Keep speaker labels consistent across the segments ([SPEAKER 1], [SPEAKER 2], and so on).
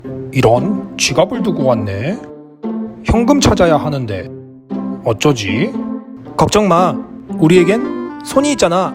[SPEAKER 1] 이런, 지갑을 두고 왔네. 현금 찾아야 하는데 어쩌지? 걱정 마. 우리에겐 손이 있잖아.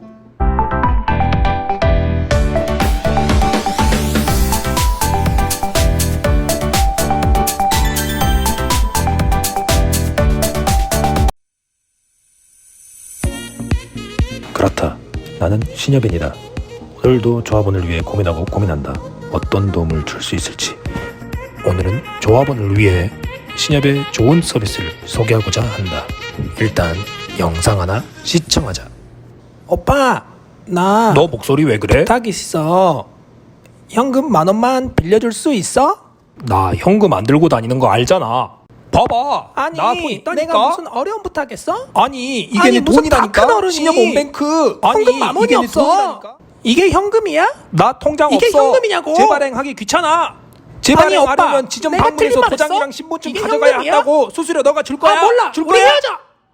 [SPEAKER 1] 그렇다. 나는 신여빈이다. 오늘도 조합원을 위해 고민하고 고민한다. 어떤 도움을 줄 수 있을지. 오늘은 조합원을 위해 신협의 좋은 서비스를 소개하고자 한다. 일단 영상 하나 시청하자. 오빠, 나 너 목소리 왜 그래? 부탁 있어. 현금 10,000원만 빌려줄 수 있어? 나 현금 안 들고 다니는 거 알잖아. 봐봐.
[SPEAKER 2] 아니,
[SPEAKER 1] 나 돈 있다니까.
[SPEAKER 2] 내가 무슨 어려운 부탁했어?
[SPEAKER 1] 아니 이게
[SPEAKER 2] 아니,
[SPEAKER 1] 내
[SPEAKER 2] 무슨
[SPEAKER 1] 돈이라니까.
[SPEAKER 2] 다 큰 어른이
[SPEAKER 1] 신협 온뱅크.
[SPEAKER 2] 현금 10,000원이
[SPEAKER 1] 이게 내
[SPEAKER 2] 없어.
[SPEAKER 1] 돈이라니까.
[SPEAKER 2] 이게 현금이야?
[SPEAKER 1] 나 통장
[SPEAKER 2] 이게
[SPEAKER 1] 없어.
[SPEAKER 2] 현금이냐고.
[SPEAKER 1] 재발행하기 귀찮아.
[SPEAKER 2] 아니,
[SPEAKER 1] 재발행하려면
[SPEAKER 2] 오빠,
[SPEAKER 1] 지점
[SPEAKER 2] 내가
[SPEAKER 1] 방문해서
[SPEAKER 2] 틀린 말
[SPEAKER 1] 도장이랑
[SPEAKER 2] 했어?
[SPEAKER 1] 신분증
[SPEAKER 2] 이게
[SPEAKER 1] 가져가야
[SPEAKER 2] 현금이야?
[SPEAKER 1] 한다고. 수수료 너가 줄 거야?
[SPEAKER 2] 아, 몰라.
[SPEAKER 1] 줄
[SPEAKER 2] 우리
[SPEAKER 1] 거야?
[SPEAKER 2] 헤어져.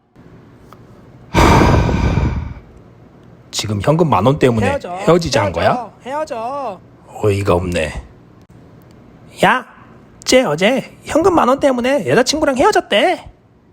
[SPEAKER 1] 지금 현금 10,000원 때문에 헤어지자는 거야?
[SPEAKER 2] 헤어져.
[SPEAKER 1] 어이가 없네.
[SPEAKER 2] 야, 쟤 어제 현금 10,000원 때문에 여자친구랑 헤어졌대.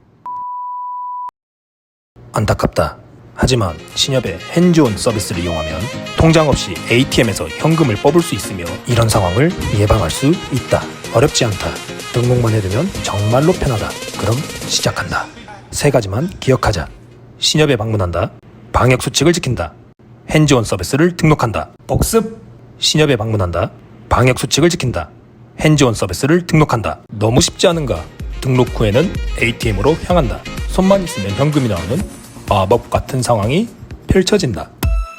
[SPEAKER 1] 안타깝다. 하지만 신협의 핸즈온 서비스를 이용하면 통장 없이 ATM에서 현금을 뽑을 수 있으며 이런 상황을 예방할 수 있다. 어렵지 않다. 등록만 해두면 정말로 편하다. 그럼 시작한다. 3가지만 기억하자. 신협에 방문한다. 방역수칙을 지킨다. 핸즈온 서비스를 등록한다. 복습. 신협에 방문한다. 방역수칙을 지킨다. 핸즈온 서비스를 등록한다. 너무 쉽지 않은가? 등록 후에는 ATM으로 향한다. 손만 있으면 현금이 나오는 마법 같은 상황이 펼쳐진다.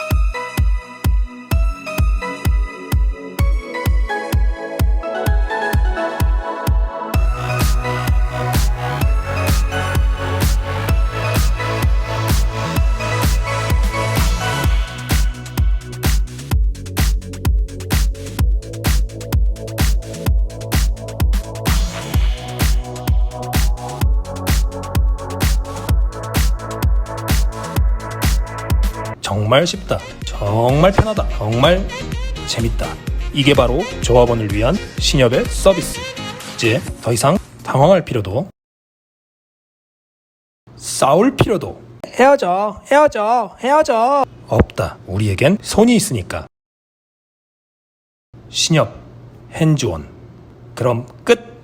[SPEAKER 1] 정말 쉽다. 정말 편하다. 정말 재밌다. 이게 바로 조합원을 위한 신협의 서비스. 이제 더 이상 당황할 필요도 싸울 필요도
[SPEAKER 2] 헤어져.
[SPEAKER 1] 없다. 우리에겐 손이 있으니까. 신협 핸즈온. 그럼 끝.